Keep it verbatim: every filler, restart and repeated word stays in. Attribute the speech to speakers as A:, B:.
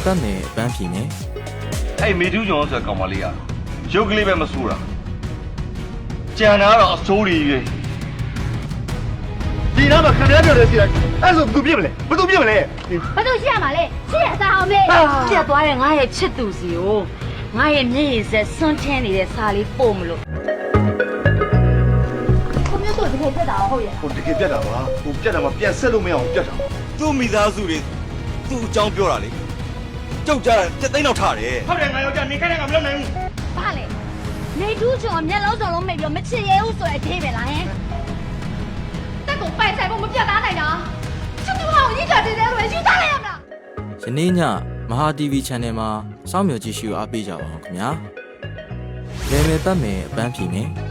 A: ပတ်မယ်အပန်းဖြေမယ်
B: အဲ့မေတူးကျော်ဆိုတဲ့ကောင်မလေးကရုပ်ကလေးပဲမဆိုးတာကြံတာတော့အစိုးရကြီးဒီနားမှာခံရပြောတယ်စီလိုက်အဲ့ဆိုဘယ်သူပြစ်မလဲဘယ်သူပြစ်မလဲ
C: ဘာလို့ရှိရမှာလဲရှိရစားအောင်မေးပြတ်သွားတဲ့ငါရဲ့ချစ်သူစီကိုငါရဲ့မျက်ရည်ဆက်စွန့်ထင်းနေတဲ့စာလေးပို့မလို့ကိုမျိုးတို့တကယ်ပြတ်တာဟုတ်ရဲ့
B: ဟိုတကယ်ပြတ်တာပါဟိုပြတ်တာမှပြန်ဆက်လို့မရအောင်ပြတ်တာသူ့မိသားစုတွေသူ့အကြောင်းပြောတာလေကြောက်ကြတာတက်သိန်းတော့ထားတယ်ဟုတ်တယ်ငါယောက်ျားနေခိုင်းတယ်ငါမလုပ်နိုင်ဘူး
C: ဘာလဲနေတူးချော်မျက်လုံးစုံလုံးမိတ်ပြီးမချစ်ရဲဘူးဆိုတဲ့အသေးပဲလားဟင်တက်ကိုပိုင်ဆိုင်ဖို့မပြတ်သားနိုင်တာချစ်သူဟောင်းကြီးကြတဲ့လို့ယူသားလိုက်ရမလား
A: ယနေ့ညမဟာ တီဗီ Channel မှာစောင့်မျှော်ကြည့်ရှုအားပေးကြပါအောင်ခင်ဗျာလေမယ်ပတ်မယ်အပန်းဖြေမယ်